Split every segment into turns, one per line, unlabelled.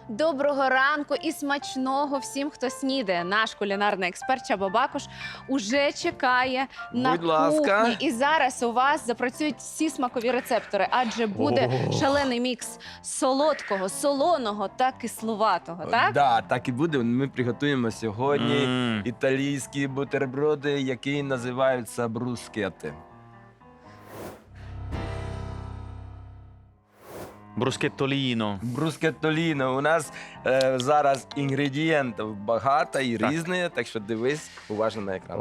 Доброго ранку і смачного всім, хто снідає. Наш кулінарний експерт Чаба Бакуш уже чекає на
Будь ласка.
кухні. І зараз у вас запрацюють всі смакові рецептори, адже буде шалений мікс солодкого, солоного та кислуватого, так?
Да, так і буде. Ми приготуємо сьогодні італійські бутерброди, які називаються брускети.
Брускеттоліно.
Брускеттоліно. У нас зараз інгредієнтів багато і різні, так що дивись уважно на екран.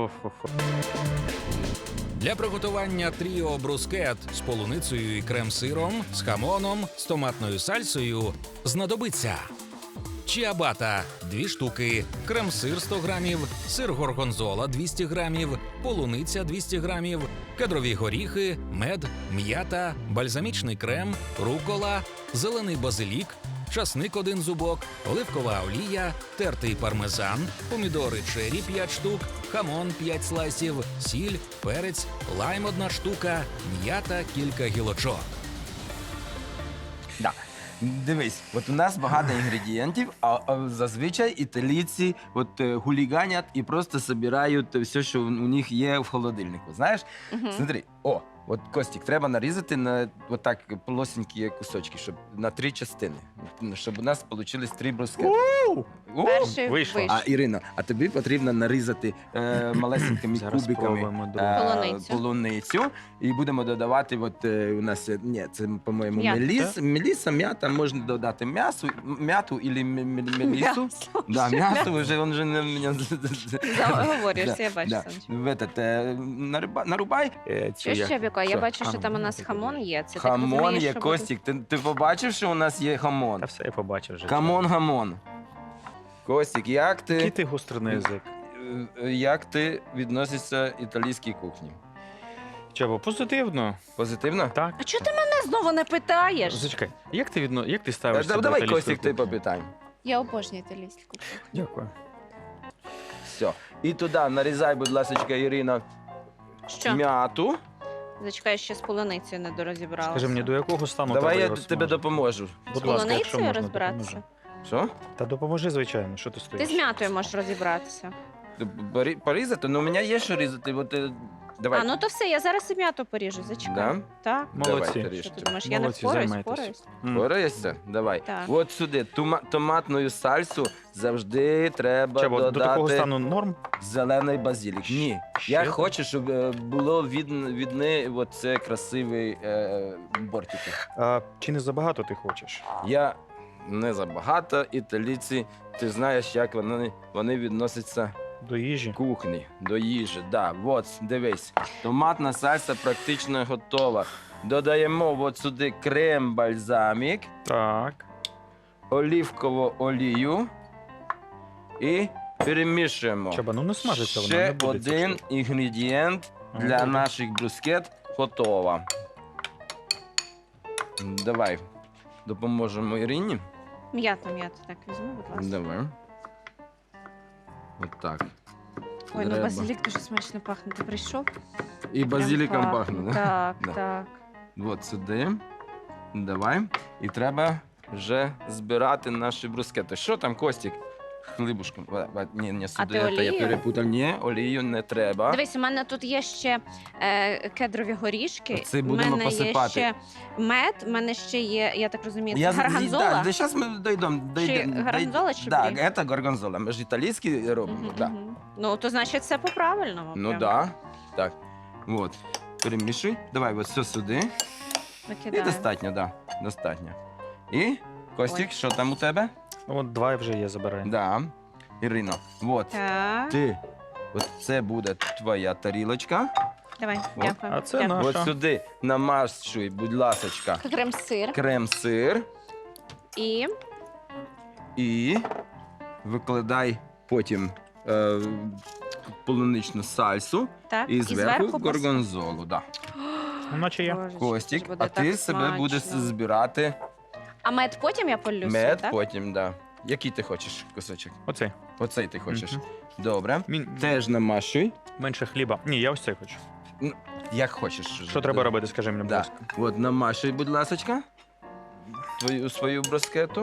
Для приготування тріо брускет з полуницею і крем-сиром, з хамоном, з томатною сальсою знадобиться чіабата – 2 штуки, крем-сир – 100 грамів, сир горгонзола – 200 грамів, полуниця – 200 грамів, кедрові горіхи, мед, м'ята, бальзамічний крем, рукола, зелений базилік, часник 1 зубок, оливкова олія, тертий пармезан, помідори чері 5 штук, хамон 5 слайсів, сіль, перець, лайм 1 штука, м'ята кілька гілочок.
Да. Дивись, от у нас багато інгредієнтів, а зазвичай італійці хуліганять і просто збирають все, що у них є в холодильнику. Знаєш? Смотри, от Костік, треба нарізати на отак полосенькі кусочки, щоб на 3 частини, щоб у нас вийшли 3 брускети.
Перший
Вийшло.
вийшов.
Ірина, а тобі потрібно нарізати малесенькими
Зараз
кубиками
спробуємо, друге.
полуницю. І будемо додавати, у нас, це, по-моєму,
М'ята.
меліса, м'ята, можна додати м'яту або мелісу. Да, м'яту, він вже не...
Заговорюєшся, я бачу,
Да.
Сонечко.
Нарубай.
Що ще, Біко? Я
Що?
бачу, що там у нас хамон є. Це так
Хамон
розумієш,
є,
що буде-
Костік. Ти побачив, що у нас є хамон?
Та все, я побачив вже.
Хамон. Костік,
Який ти гострий язик.
як ти відносишся італійській кухні?
Чого, позитивно.
Позитивно?
Так.
А чого ти мене знову не питаєш?
Зачекай, як ти ставишся до
Давай,
італійської
Костік, ти
кухні?
попитай.
Я обожнюю італійську кухню.
Дякую.
Все. І туди нарізай, будь ласка, Ірина,
Що?
м'яту.
Зачекай, ще з полуницею не дорозібралася.
Скажи мені, до якого стану
Давай
треба
я
його
тобі
смажити?
допоможу.
Будь
З
ласка, якщо
полуницею
можна,
розбиратися?
допоможи.
Що?
Та допоможи, звичайно, що ти
Ти
стоїш?
з м'ятою можеш розібратися.
Порізати? Ну, у мене є що різати. Давай.
А, ну то все, я зараз і м'яту поріжу, зачекай.
Да?
Так.
Молодці.
Давай,
Що ти
ріжте.
думаєш, я не
Молодці,
впораюсь?
займайтесь.
Впораюсь?
Пораєшся? Давай.
Так.
От сюди томатною сальсу завжди треба
Чого, до такого
додати
стану норм?
зелений базилік. Ні.
Ще
Я
так?
хочу, щоб було видно оце красивий бортики.
А, чи не забагато ти хочеш?
Я не забагато. Італійці, ти знаєш, як вони відносяться
До їжі?
кухні, до їжі. Да, от, дивись, томатна сальса практично готова. Додаємо от сюди крем-бальзамік,
Так.
олівкову олію і перемішуємо.
Чаба, ну не смажиться вона, не
Ще
буде.
один інгредієнт
Ага.
для наших брускет готова. Давай допоможемо Ірині.
М'яту, так візьму, будь ласка.
Давай. От так.
Ой, ну
Треба.
базилік дуже смачно пахне. Ти прийшов?
І базиліком
Прям
пахне, да?
Так,
Да.
так.
От сюди. Давай. І треба вже збирати наші брускети. Що там, Костік? Хлібушком. Ні, сюди.
ти
Я
олію?
перепутав. Ні, олію не треба.
Дивись, у мене тут є ще кедрові горішки.
Це будемо
у мене
посипати.
є ще мед, у мене ще є, я так розумію, це
Да,
гарганзола.
зараз ми дійдемо.
Горгонзола чи
Так,
брі?
це горгонзола. Ми ж італійські робимо.
Мгм,
Да.
мгм. Ну, то значить це по-правильному.
Ну
прям.
так. Да. Так. От. Перемішуй. Давай от все сюди. І
Викидаю.
достатньо, так. Да. Достатньо. І, Костік, що там у тебе?
От 2 вже є, забирай.
Да. Ірино, от.
Так,
От це буде твоя тарілочка.
давай,
От.
дякую.
А це
Дякую.
наша.
От сюди намащуй, будь ласочка,
Крем-сир
крем-сир
і
і викладай потім полуничну сальсу
так,
і зверху
пос-
горгонзолу. Да.
Ну, наче є.
Боже,
Костік,
це буде
а ти
так
себе
смачно.
будеш збирати
А мед потім я полюся,
мед,
так?
потім, да. Який ти хочеш кусочок?
Оцей.
Оцей ти хочеш.
Мгм.
Добре. Теж намащуй.
Менше хліба. Ні, я ось цей хочу.
Як хочеш.
Що треба робити, скажи мені, будь
Да.
ласка.
От намашуй, будь ласочка, свою брускету.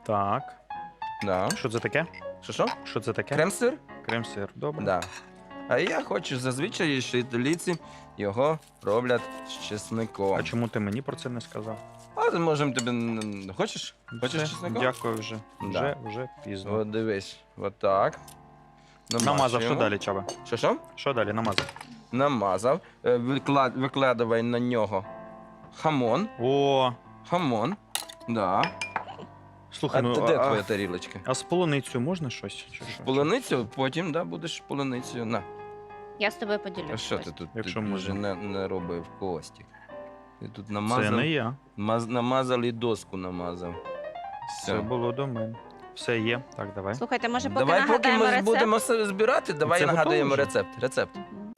Так.
Да.
Що це таке?
Що?
Що це таке?
Крем-сир?
Крем-сир. Добре.
Да. А я хочу зазвичай, що італійці його роблять з чесником.
А чому ти мені про це не сказав?
А можемо тобі... Хочеш? Хочеш
Все,
чесником?
Дякую вже.
Да.
Вже пізно.
От дивись, от так.
Намазав, що далі, Чаба?
Що?
Що далі? Намазав.
Намазав. Викладай на нього хамон.
О,
Хамон. Да.
слухай,
А
ну,
де твоя тарілочка?
а з полуницею можна щось? Чи що?
Полуницю, потім да, будеш полуницю. На.
Я з тобою
А
поділюсь.
що ти тут
Якщо
ти
можна.
вже не робив Костік? Ти тут
Це
намазав,
не я.
намазав і доску намазав.
Це було до мене. Все є. Так, давай.
Слухайте, може, поки
Давай, поки
нагадаємо
ми
рецепт?
будемо все збирати, давай
Це
нагадуємо
готово вже?
рецепт.
Мгм.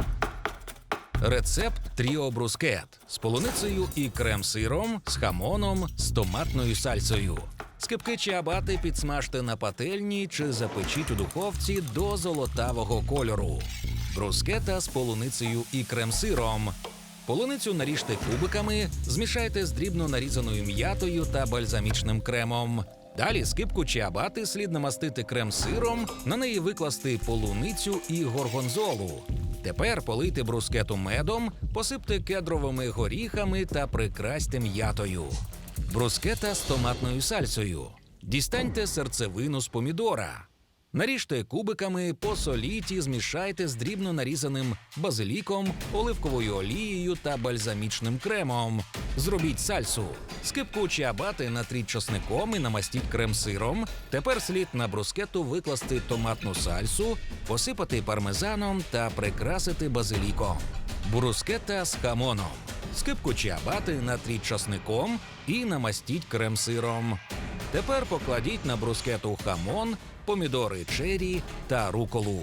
Рецепт Тріо Брускет з полуницею і крем-сиром, з хамоном, з томатною сальсою. Скибки чиабати підсмажте на пательні чи запечіть у духовці до золотавого кольору. Брускета з полуницею і крем-сиром. Полуницю наріжте кубиками, змішайте з дрібно нарізаною м'ятою та бальзамічним кремом. Далі скибку чиабати слід намастити крем-сиром, на неї викласти полуницю і горгонзолу. Тепер полийте брускету медом, посипте кедровими горіхами та прикрасьте м'ятою. Брускета з томатною сальсою. Дістаньте серцевину з помідора. Наріжте кубиками, посоліть і змішайте з дрібно нарізаним базиліком, оливковою олією та бальзамічним кремом. Зробіть сальсу. Скибку чиабати натріть часником і намастіть крем-сиром. Тепер слід на брускету викласти томатну сальсу, посипати пармезаном та прикрасити базиліком. Брускета з хамоном. Скибку чиабати натріть часником і намастіть крем-сиром. Тепер покладіть на брускету хамон, помідори чері та руколу.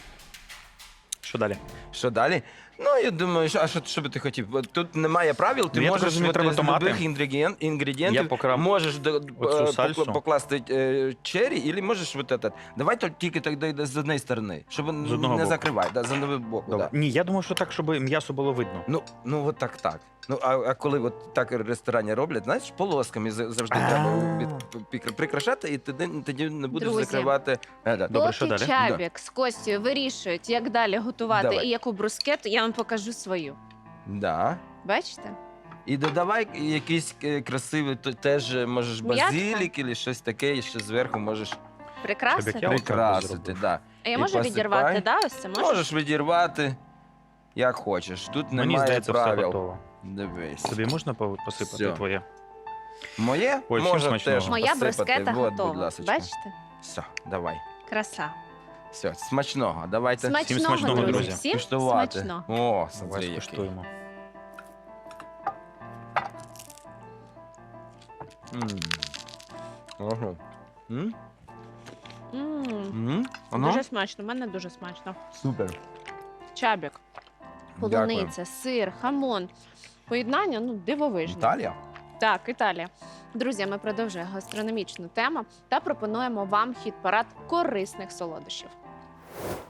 Що далі?
Що далі? Ну, я думаю, що би ти хотів? Тут немає правил, ти
Ну, я так
можеш
розумію, треба
з
томати.
любих інгредієнтів
Я покрав
можеш
оцю сальсу.
покласти чері, або можеш вот этот. Давай тільки так з однієї сторони, щоб
З одного
не
боку.
закривай, да, з одного боку.
Добре.
Да.
Ні, я думав, що так, щоб м'ясо було видно.
Ну от так. Ну, а коли от так в ресторані роблять, знаєш, полосками завжди треба прикрашати, і тоді не будеш
Друзі.
закривати. Да.
Добре, що
Поки
далі?
Чабік з Костю вирішують, як далі готувати
Давай.
і яку брускету, я вам покажу свою.
Да.
Бачите?
І додавай якийсь красивий, теж можеш
М'ятка?
базилік або щось таке, і ще зверху можеш
Прикрасити?
Чабік, я отак
прикрасити.
зробив.
Да.
А я
І
можу
посипай.
відірвати, да? Ось це можеш?
Можеш відірвати, як хочеш. Тут
Мені
немає
здається, все
правил.
готово.
Дивись.
Тобі можна посипати
Все.
твоє?
Моє
Ой, всім
можна
смачного.
теж
Моя
посипати.
брускета
Вот, будь
готова.
ласочка.
Бачите?
Все, давай.
Краса.
Все, смачного. Давайте
Смачного,
смачного,
друзі.
друзі.
Всім
куштувати.
смачно.
О, смотри,
Давай
який.
скуштуємо.
Ага. М?
М,
М? Воно?
Дуже смачно, в мене дуже смачно.
Супер.
Чабік,
Дякую.
полуниця, сир, хамон. Поєднання, ну, дивовижне.
Італія?
Так, Італія. Друзі, ми продовжуємо гастрономічну тему та пропонуємо вам хіт-парад корисних солодощів.